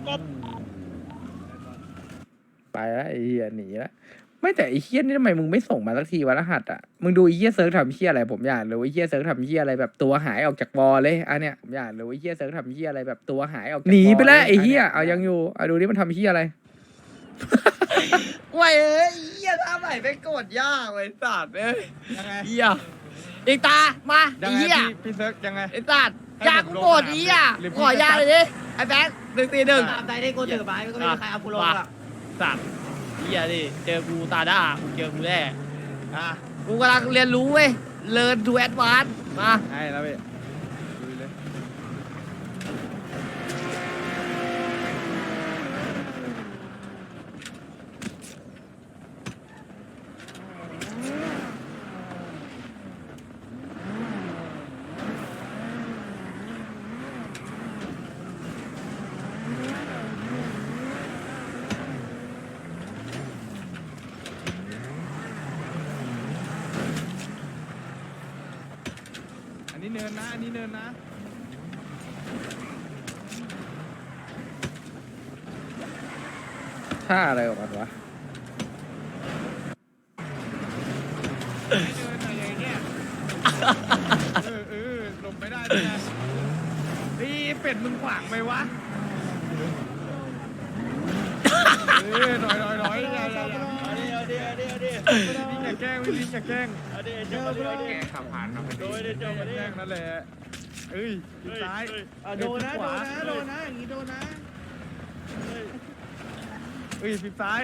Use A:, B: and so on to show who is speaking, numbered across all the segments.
A: กบ
B: ไปแล้วไอ้เหี้ยหนีแล้วไม่แต่ไอ้เหี้ยนี่ทำไมมึงไม่ส่งมาสักทีวะรหัสอ่ะมึงดูไอ้เหี้ยเซิร์ฟทำเหี้ยอะไรผมอยากรู้ไอ้เหี้ยเซิร์ฟทำเหี้ยอะไรแบบตัวหายออกจากวอลเลยอันเนี้ยผมอยากรู้ไอ้เหี้ยเซิร์ฟทำเหี้ยอะไรแบบตัวหายออกหนีไปแล้วไอ้เหี้ยเอายังอยู่เอาดูนี่มันทำเหี้ยอะไร
C: เว้ยเหี้ยท่าใหม่ไปกดยากเลยสัตว์เอ้ย
A: ยังไง
C: เหี้ยอีกตามา
A: ยัง
C: ไอ้
A: ไง
C: เหี้ย
A: พี่เซิร์กยังไง
C: ไอ้สัตว์ยากกูกดไอ้เหี้ย
A: หรือพี่
C: ขอยาเลยดิไอ้แบงค์141
D: ตามใจที่กูถือไปมันก็ไม่มีใครเอากูลงอ่ะ
C: สัตว์เหี้ยดิเจอกูตาด้ากูเจอกูแน่
A: อ่ะ
C: กูกำลังเรียนรู้เว้ยเรียนดูแอดวานซ์มา
A: ให้แล้วพี่ดูเลย อันนี้เนินนะ อันนี้เนินนะ
B: ท่าอะไรของมันวะ
A: เนินอะไรอย่างเงี้ยหลบไม่ได้ด้วยนะนี่เป็ดมึงขวางไหมวะหน่อยอย่าพี่จะแกล้งพี่จะแกล้งขับผ่านมาพอดีแกล้งนั่นแหละเอ้ยซ้าย
D: โดนนะอย่างนี้โดนนะ
A: เอ้ยฟิบซ้าย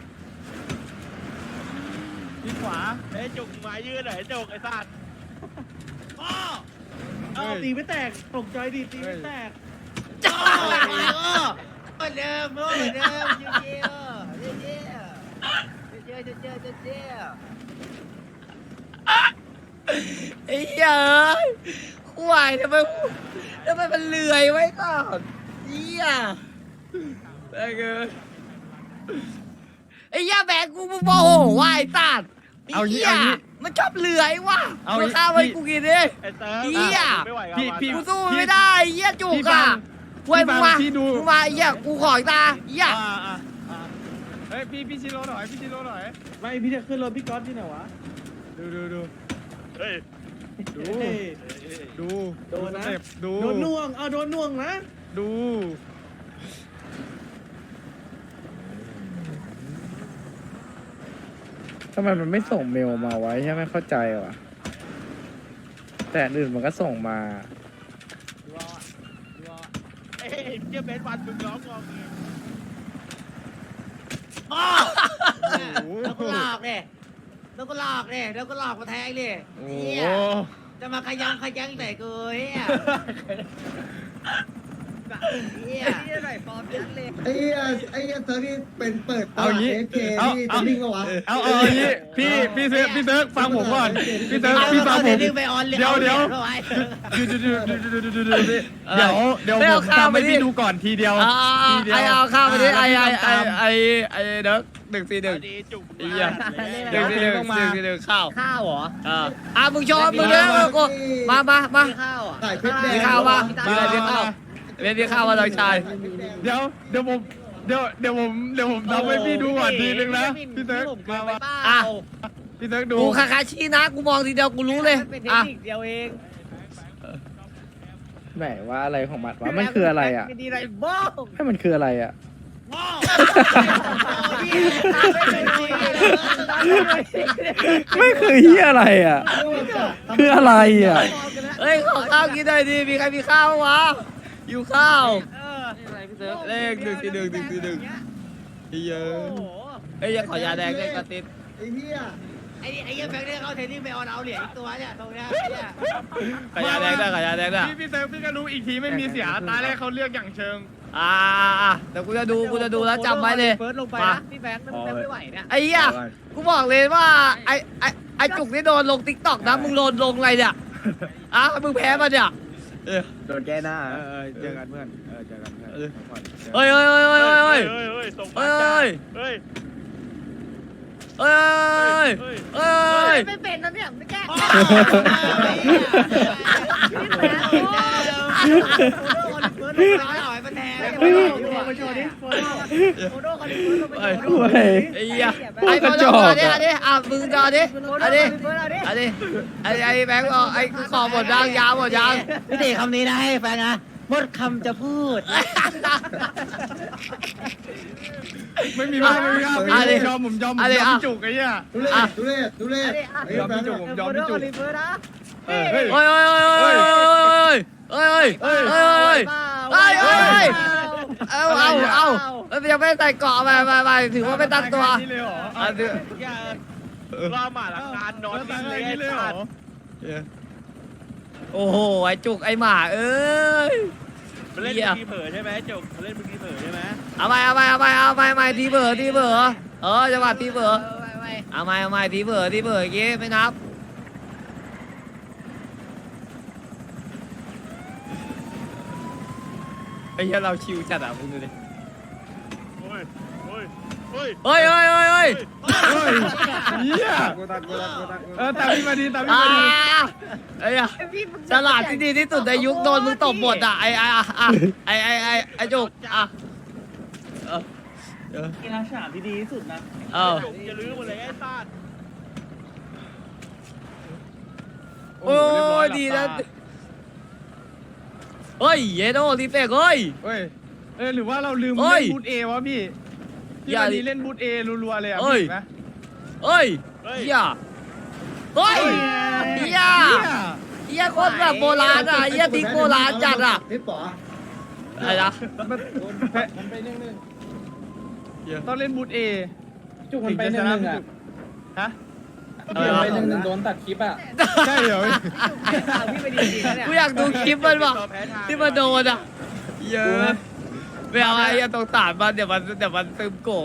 A: ฟิบขวา
E: ไอ้จุกไม้ยืดหน่อยจุกไอ้สัตว์
D: เอาตีไม่แตกตกใจดิตีไม่แตก
C: เหมือนเดิมเหมือนเดิมเยี่ยไอ้เหี้ยควายทำไมมันเลื่อยไว้ก่อนเหี้ยไอ้เงยไอ้เหี้ยแบกกูโมโหว่ะไอ้สัตว์ไอ้เหี้ยมันชอบเลื่อยว่ะมันข้าวไว้กูกินดิ
E: ไอ้เติร์
C: เหี้ย
E: ไม่ไหวกับ
A: พี่
C: กูสู้มันไม่ได้ไอ้เหี้ยจุกอ่ะเว้ยมึงมาไอ้เหี้ยกูขออีกตาเหี้ย
A: เฮ้ยพี่ชิโร่หน่อยพี่ชิโร่หน่อย
D: ไม่พี่จะขึ้นรถพี่ก๊อตที่ไหนวะ
A: ดู
E: เฮ้ย
A: ดู
D: โดนนะ
A: สเต็ปดู
D: โดนน่วงเอาโดนน่วงนะ
A: ดู
B: ทำไมมันไม่ส่งเมลมาไว้ใช่ไหมเข้าใจวะแต่อันอื่นมันก็ส่งมา
E: เอ้ยเจ้าเบสวันมึงร้องงอเง
D: แล้วก็หลอกเนี่ยแล้วก็หลอกมาแทงเนี่ย
A: โอ้
D: จะมาขยั้งใส่กูเฮียเฮีย
C: ไอ้เหี้ย
F: เซิร์ฟนี่เป็นเปิดต
A: เอา
F: ลาด
A: งี้
F: เอฟเคที่จะวิ่งเข้าวะ
A: เอาอย่างงี้พี่เซิร์กฟังผมก่อนพี่เซิร์กพี่ฟังผม
D: เดี๋ยว
A: เดี๋ยว ผมทำให้พี่ดูก่อนทีเดียวทีเดียว
C: ไอ้เอาข้าวไปดิไอ้เด็ก141
E: ดีจุก
C: ไอ้เหี้ย
A: เดี๋ยวต้องมา
C: 141ข้าว
D: ข้าวเหรอ
C: มึงชอบมึงเด้อกูมา
D: ข้าวอ่ะ
F: ถ่ายคลิปแดง
C: มีข้าวปะมีอะไรมีข้าวเรียนมีข้าวมาน้องชาย
A: เดี๋ยวผมทำให้พี่ดูก่อนทีนึงนะพี่เซิร์กมา
C: อ่ะ
A: พี่เซิร์กดู
C: กูคาคาชินะกูมองทีเดียวกูรู้เลย
D: เป็นเทค
C: อ่ะ
D: นิคเดียวเอง
B: ไหนว่าอะไรของมันวะมันคืออะไรอ่ะ
D: ไม่ดีอะไรบ้า
B: ให้มันคืออะไรอ่ะ ไม่คือเฮียอะไรอ่ะ คืออะไรอ่ะ
C: เฮ้ยขอข้าวกินหน่อยดิมีใครมีข้าวบ้างวะอยู่ข้าวเลข141เฮ้ยยังขอยาแดงด้วยกระติด
F: ไอ้เหี้ย
D: ไอ้เหี้ยแบงค์เนี่ยเขาเทนนิ่งไปออนเอาเหรียญอีกตัวเนี่ยตรงเนี้ย
C: ขอยาแดงด้วยขอยาแดงด้วย
A: พี่เซิร์กพี่ก็รู้อีกทีไม่มีเสียตาแรกเขาเลือกอย่างเชิง
C: เดี๋ยวกูจะดูแล้วจำไว้เลย
D: เฟิร์สลงไปนะพี่แบงค์ไม่ไหวเนี่ย
C: ไอ้เหี้ยกูบอกเลยว่าไอ้จุกนี่โดนลงติ๊กต็อกนะมึงโดนลงอะไรเนี่ยมึงแพ้มาเนี่ย
F: โดนแก้หน้า
A: เจอกันเพื่อนเจอกันเพื่อน
C: เฮ้ย
E: ส่ง
C: เฮ้
E: มาย เฮ้ย
D: ไม่เป็นนะเนี่ยไม่แก้
C: เฮ้ย
D: พี่แบงค์โดนเฟิร์สลงไปเอาไอ้มันแทนมาโชว์ดิโฟโต้คนนี้
C: เฮ้ย
B: โอ้ย
C: ไอ้เหี้ย
B: พวกกระจอก
C: อันนี้มึงจอดิอันนี้ไอ้แบงค์บอกไอ้ขอหมดยางยาวหมดยาง
D: พี่ตีคำนี้นะให้แฟนนะหมดคำจะพูด
A: ไม่มีบ้างไม่มีบ้างผมยอมผมยอมพี่จุกไอ้เหี้ย
F: ทุเรศทุเรศไอ้
A: ยอม
F: แบง
A: พี่
F: ค์
A: จุกผมยอมพี่จุก
C: เฮ้ยเฮ้ยเฮ้ยเฮ้ยเฮ้ยเฮ้ยเฮ้ยเฮ้ยเฮ้ยเอายังไม่ใส่เกาะไปถือว่าไม่ตั้งตัว
A: นี่เลยเหรอ
E: อย่าล่อหมาหลังงานนอน
A: ตั้
E: ดิ้
A: ง
E: น
A: เล
E: เลย ย
A: นี่เลยเหรอ
C: โอ้โหไอ้จุกไอ้หมาเอ้ย
E: มันเล่นทีเผลอใช่ไหมจุกมันเล่นทีเผลอใช่ไหม
C: เอาไปทีเบอร์จังหวะทีเบอร์เอาไปทีเบอร์อย่างงี้ไม่นับไอ้เหี้ยเราชิวจัดอ่ะมึงดูดิ
E: โอ้ยโอ้ยโอ้ย
C: เฮ้ย
A: เหี้ยตามพี่มาดีตามพี่
C: อ่า
A: มาดี
C: ไอ้อะฉลาดที่ดีที่สุดในยุคโดนมึงตบหมดอ่ะไอ้จุกอ่ะ
D: กีฬาฉลาดที่ดีที่สุดนะ
E: จุกอย่าลืมหมดเลยไอ้ซาด
C: โอ้ยดีนะเฮ้ยเยโดรีเฟกเฮ้ย
A: เฮ้ยหรือว่าเราลืม
C: เฮ้
A: เล่
C: ย
A: นบูทเอวะพี่พี่
C: อย่า
A: มาดีเล่นบูทเอรัวๆเลยอ่ะ
C: เฮ้ย
A: เห็นไหม
C: เฮ้ยเฮียเฮ้ยเฮียเฮียคนแบบโบราณอ่ะเฮียทิ้งโบราณจัดอ่ะ
F: พี่ป๋อ
C: อะไรนะ
F: มันไปนึ่ง
A: ต้องเล่นบูทเอ
F: จุกมันไปนึ่งอ่ะ
A: ฮะ
F: ไปนึ่งโดนตัดคลิปอ่ะ
A: ใช่เหรอ
D: พี่ไปดีจริงนะเนี่ย
C: กูอยากดูคลิปมันว่ะที่มันโดนอ่ะเยอะไม่เอาไอ้ตรงตาดมันเดี๋ยวมันซึมโก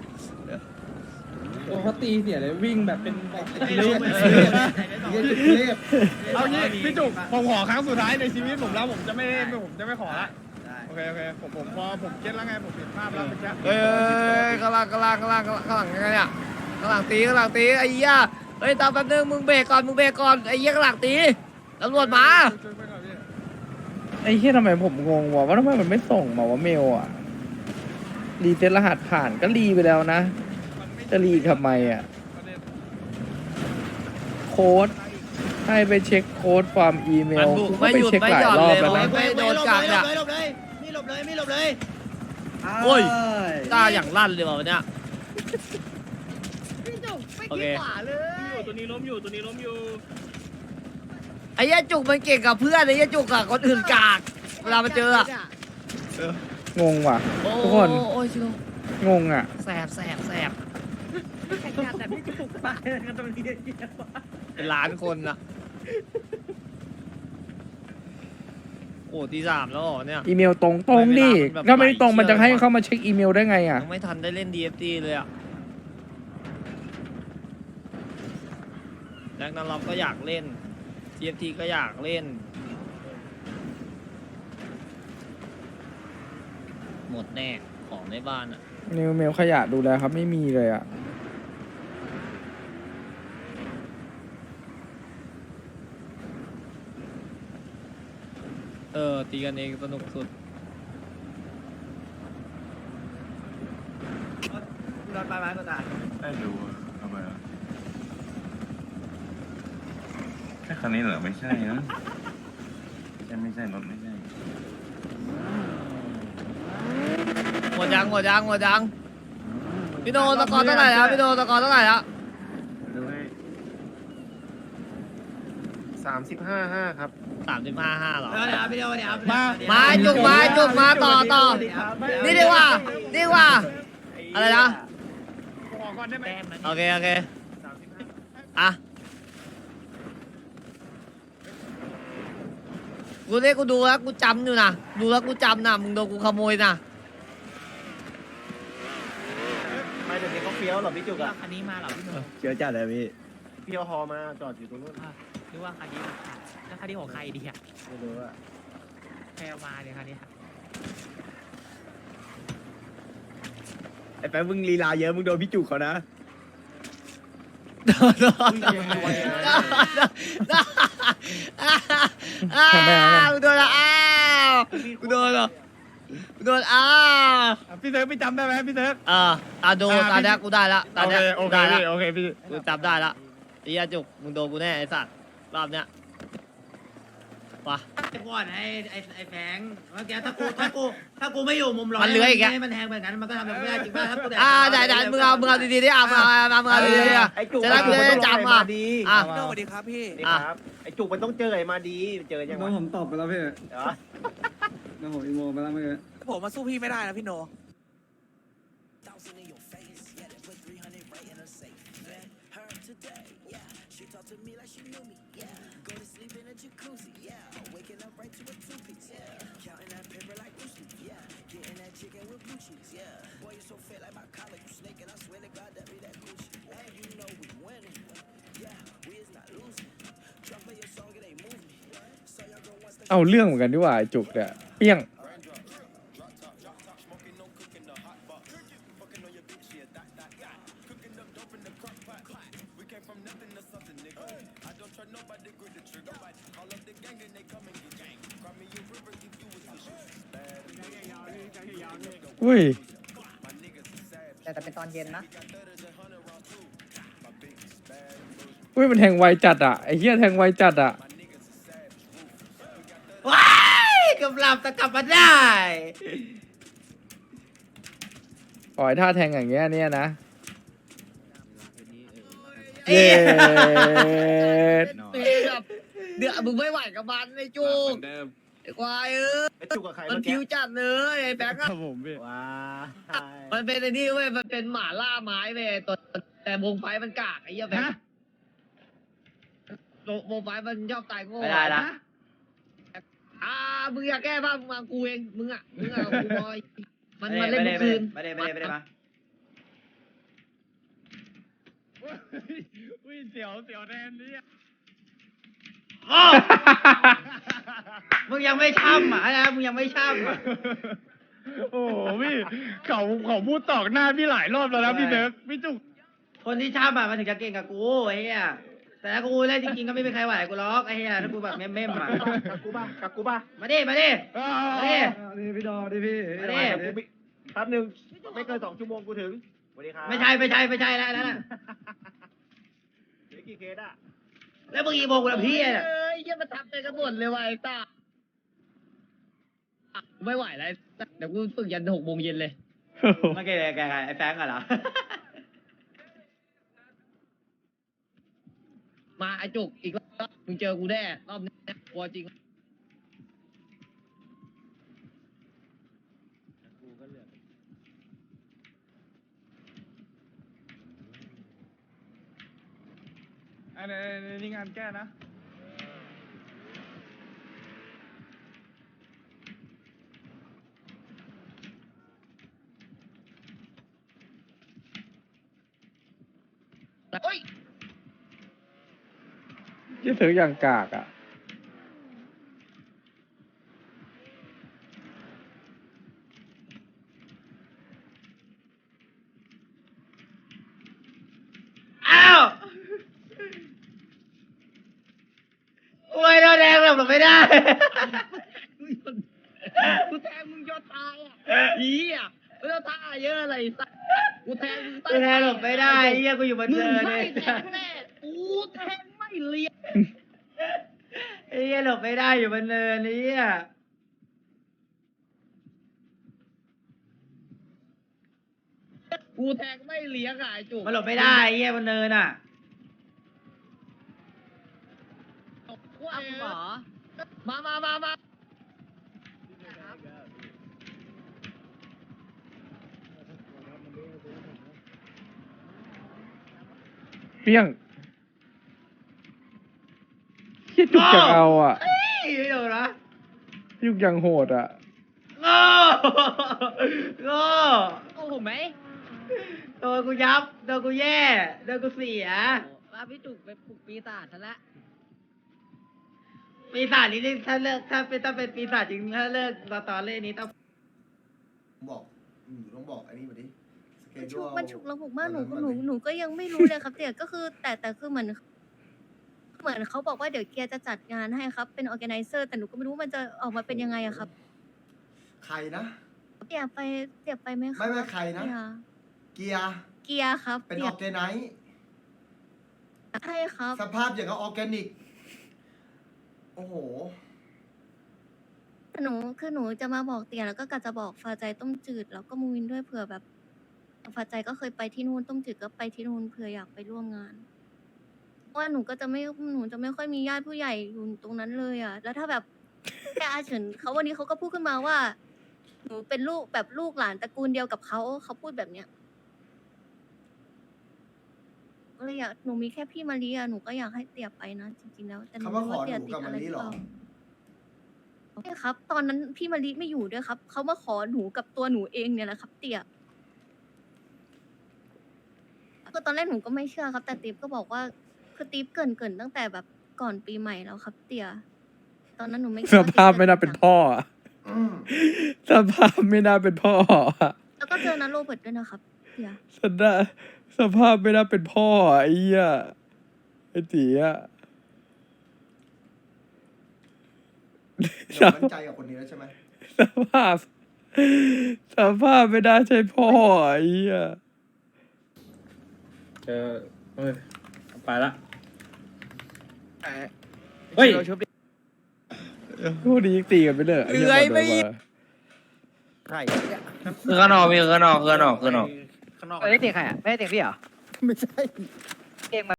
F: โอ้เขาตีเสียเลยวิ่งแบบเป็นเรียบ
A: เอางี้พี่จุกผมขอครั้งสุดท้ายในชีวิตผมแล้วผมจะไม่ขอละโอเคผมพอผมเก็ตแล้วไงผมเห็นภาพแล้วเมื่อกี้
C: เฮ้ยข้างหลังยังไงเนี่ยข้างหลังตีไอ้เหี้ยเฮ้ยตามแป๊บนึงมึงเบรกก่อนไอ้เหี้ยข้างหลังตีตำรวจมา
B: ไอ้เหี้ยทำไมผมงงวะว่าทำไมมันไม่ส่งมาว่าเมลอ่ะรีเซ็ตรหัสผ่านก็รีไปแล้วนะจะรีทำไมอ่ะโค้ดให้ไปเช็คโค้ดความอีเม
C: มั
B: ล
C: นบุก
B: กูก็
C: ไม่
B: ไป
C: หยุด
B: เช็ค
C: ไม่
B: หลา
C: ห
B: ย
C: ย่อน
B: รอ
C: เล
B: บ
C: ย
B: แล้วนะ
C: ไม่โดนกัดอ่ะ
D: ไม่หลบเลย
C: โอ้ยตาอย่างลั่นเลยว่ะวันเนี้ย
D: พี่จุกไม่
C: โอ
D: คิ
C: เค
D: ดขวาเลย
E: ตัวนี้ล้มอยู่
C: ไอ้เหี้ยจุกมันเก่งกับเพื่อนไอ้เหี้ยจุกกับคนอื่นกากเวลามาเจออะ
B: งงว่ะ
C: โอ้
B: ทุกคน
C: โอ้ยชิว
B: งงอ่ะ
C: แสบ
D: แข่งกันแต่พี่จุกตายกันตรงนี้
C: เป็นล้านคนอะโอ้ตี 3แล้วเหรอเนี่ย
B: อีเมลตรงดิ
C: แบบ
B: ถ้าไม่ตรง
C: ไหล
B: มันจะให้
C: เชี่ยว
B: เข้ามาเช็คอีเมลได้ไงอ่ะ
C: ยังไม่ทันได้เล่น DFT เลยอะแรงนั้นเราก็อยากเล่น DFT ก็อยากเล่น หมดแน่ของในบ้านอะ
B: นิวเมลขยะดูแลครับไม่มีเลยอ่ะ
C: ตีกันเองสนุกสุด
D: นอนไปไหมก็ตาย
G: ไม่รู้อะทำไมอ่ะแค่คันนี้เหรอ ไม่ใช่นะไม่ใช่รถไม่ใช่
C: หมดยังพี่โดตะกอนเท่าไหร่แล้ว
G: ดูให้
F: 35.5 ครับ
C: 35.5เหรอ
D: เดี๋ยว
C: จุกมาต่อนี่ดีกว่าอะไรนะ
A: ขอก่อนได้ไหม
C: โอเคอ่ะกูดูแล้วกูจำอยู่นะดูแล้วกูจำนะมึงโดนกูขโมยนะ
F: ไม่เดี๋ยวนี้เขาเฟี้ยวหรอพี่จุกอ่ะ
D: คันนี้มาเหรอพี่หนุ่ม
F: เฟี้ยวจัดเลยพี่พี่เอาฮอมาจอดอยู่ตรงนู้น
D: หรือว่าคันนี้แล้วคันนี้ของใครดีอ่ะ
F: ไม่รู้อ่ะ
D: ใครเอามาเนี่ยคันนี้
F: ไอ้แป๊บมึงลีลาเยอะมึงโดนพี่จุกเขานะ
C: กูโดนละกูโดนละโดน
A: พี่เซิร์ฟพี่จำได้ไหมพี่เซิร์ฟ
C: ดูตาเนี้ยกูได้ละตา
A: โอ
C: เนี้
A: เค
C: ย
A: โอ
C: กู
A: เค
C: ได้ละ
A: พี่โอเคพี่
C: กูจำได้ละไอ้เหี้ยจุกมึงโดนกูแน่ไอ้สัตว์รอบเนี้ยว่ะ
D: ไอ้ก่อนไอ้แฟงเมื่อกี้ถ้ากูไม่อยู่มุมร้อย
C: มันเลื้อยอีกอะ
D: ให้มันแทงแบบนั้นมันก็ทำแบบไม่ได้จริงป่ะถ้ากูแดก
C: ได้มึงเอาดีๆดิมึงเอาดีๆดิ
F: ไอ้จุก
C: จะได้กูได้จำ
F: มาดี
D: สวัสดีครับพี่
F: นี่ครับไอ้จุกมันต้องเจอไอ้มาดีเจอยัง
A: น้
F: วะ
A: องผมตอบไปแล้วพี่
F: เหรอ
A: น้องผมอีโมไปแล้วเมื่อกี้
D: ผมมาสู้พี่ไม่ได้นะพี่โน
B: เอาเรื่องเหมือนกันดีกว่าไอ้จุกเนี่ยเปี้ยง อุ้ย
D: แต่เป็นตอนเย็นนะ
B: อุ้ยมันแทงไวจัดอ่ะไอ้เหี้ยแทงไวจัดอ่ะ
C: ว้ายกำลังจะกลับมาได้
B: ปล่อยท่าแทงอย่างเงี้ยเนี่ยนะ
C: เอ๊
B: เย้
C: เดือดมึงไม่ไหวกับมันไอ้จุกไอ้ควาย
F: ไอ้จุกกับใคร
C: มัน
F: เมื่อ
C: ผิ
F: กี้
C: วจัดเลยไอ้แบงค์
A: ค
C: อะ
A: รับผมพี่
F: ว้า
C: มันเป็นไอ้นี่เว้ยมันเป็นหมาล่าไม้เว้ยแต่วงไฟมันกากไอ้เหี้ยแบงค์วงไฟมันชอบตายโง่ไม่ได้ละมึงอยากแก้บ้างมึงมากูเองมึงอ่ะกูบอยมันเล่นเมื่อคืนไม่ได้มา
A: อุ้ยเสียวแทนนี่
C: มึงยังไม่ช่ำอ่ะนะมึงยังไม่ช่ำอ่ะ
A: โอ้โหพี่เขาพูดตอกหน้าพี่หลายรอบแล้วนะพี่เซิร์ฟพี่จุก
C: คนที่ช่ำอ่ะมันถึงจะเก่งกับกูไอ้เหี้ยแต่ถ้ากูเล่นจริงๆก็ไม่มีใครไหวกูล็อกไอ้เหี้ยถ้ากูแบบเม่มๆอ่ะ
F: กับกูป่ะ
C: มาดิ
A: นี่พี่ดอดิพี่
C: มาดิ
F: แป๊บนึงไม่เกิน2 ชั่วโมงกูถึงสวัสดีครับ
C: ไม่ใช่แล้วนั่นน่ะ
F: เหลือกี่เคสอ่ะ
C: แล้วมึงอีโมกูละพี่อ่ะเอ้ยยังมาทำเป็นกระบวนเลยว่ะไอ้ตาไม่ไหวแล้วเดี๋ยวกูฝึกยัน6 โมงเย็นเลยมาแกไอ้แฟงอ่ะเหรอมาไอ้จุกอีกรอบมึงเจอกูแน่รอบนี้กลัวจริง
A: อันนี้งานแก้นะ
C: เฮ้ย
B: ยี่เสืออย่างกากอ่ะ
C: อ้าวโอ้ยเราแดงหลบไม่ได้กูแทงมึงยอดตายอ่ะอีอ่ะไม่ต้องท่าเยอะอะไรสักกูแทงหลบไม่ได้เฮียกูอยู่บนเนินเลยแทงแน่กูแทงไม่เลี้ยงเฮียหลบไม่ได้อยู่บนเนินเฮียกูแทงไม่เลี้ยงอ่ะไอ้จุกมันหลบไม่ได้เฮียบนเนินอ่ะเอาคุณหมอมา
B: เปี้ยงยี่จุกจะเอาอ่ะ
C: ไม่โดนนะ
B: ยุกยังโหดอ่ะ
C: โง่ผมไหมโดนกูยับโดนกูแย่โดนกูเสียว่าพี่จุกไปปลุกปีศาจซะละปีศาจนี้ถ้าเลิกถ้าเป็นปีศาจจริงถ้าเลิกตอนเล่นนี้ต้อง
H: บอกต้องบอกอันนี้มาดิ
I: มันฉุกระหุกมากหนูก็ยังไม่รู้เลยครับแต่ก็คือแต่คือเหมือนเขาบอกว่าเดี๋ยวเกียร์จะจัดงานให้ครับเป็นออแกไนเซอร์แต่หนูก็ไม่รู้มันจะออกมาเป็นยังไงอะครับ
H: ใครนะ
I: เตี่ยไปไหมครับ
H: ไม่ใครนะ
I: เตี่ย
H: เกียร์
I: ครับ
H: เป็น
I: เตี่
H: อย อร์แกไนซ์
I: ใช่ครับ
H: สภาพอย่างกับออร์แกนิก โอ้โห
I: หนูจะมาบอกเตี่ยแล้วก็กะจะบอกฟ้าใจต้มจืดแล้วก็มูวินด้วยเผื่อแบบฟ้าใจก็เคยไปที่นู่นต้มจืดก็ไปที่นู่นเผื่ออยากไปร่วมงานเพราะว่าหนูจะไม่ค่อยมีญาติผู้ใหญ่อยู่ตรงนั้นเลยอ่ะ แล้วถ้าแบบแค่อาเฉินเขาวันนี้เขาก็พูดขึ้นมาว่า หนูเป็นลูกแบบลูกหลานตระกูลเดียวกับเขาพูดแบบเนี้ยก็เลยอยากหนูมีแค่พี่มารีอะหนูก็อยากให้เตี่ยไปนะจริงๆแล้วแต่หนู
H: เขามา
I: ไม่
H: ข
I: รู้
H: อ
I: ว่าเตี่ย
H: หนู
I: ติด
H: กับ
I: อะ
H: มา
I: ไร
H: รี
I: หรือ
H: เหร
I: เป
H: อ
I: ล่าใช่ครับ ตอนนั้นพี่มารีไม่อยู่ด้วยครับเขามาขอหนูกับตัวหนูเองเนี่ยแหละครับ เตี่ยก็ตอนแรกหนูก็ไม่เชื่อครับ แต่ติ๊บก็บอกว่าคือติ๊บเกรินตั้งแต่แบบก่อนปีใหม่แล้วครับ เตี่ยตอนนั้นหนูไม่คิด
B: ส
I: ว่า
B: ภาพ
I: ติ๊บจะ
B: ไม่น่าเป็นพ่ออะ
H: อืม
B: สภาพไม่น่าเป็นพ่ออะ
I: แล้วก็เจอนัทโรเบิร์ตด้วยนะครับ เตี่ย
B: สภาพไม่น่าเป็นพ่ออะไอ้เหี้ยไอ้ตีอะ
H: เดี๋ยวมั่นใจกับคนนี้แล้วใช่ไหม
B: สภาพไม่น่าใช่พ่ออะไอ้เหี้ย
E: ไปละเฮ้ย
B: พวกนี้ยังตีกันไปเลย
C: เลื้อยไม่
F: ใคร
C: คือข้างนอกพี่ข้างนอก
F: ข้างนอก
D: ไม่ได้เตียงใครอ่ะไม่ได้เตียงพี่เหรอ
F: ไม่ใช่
D: เตียง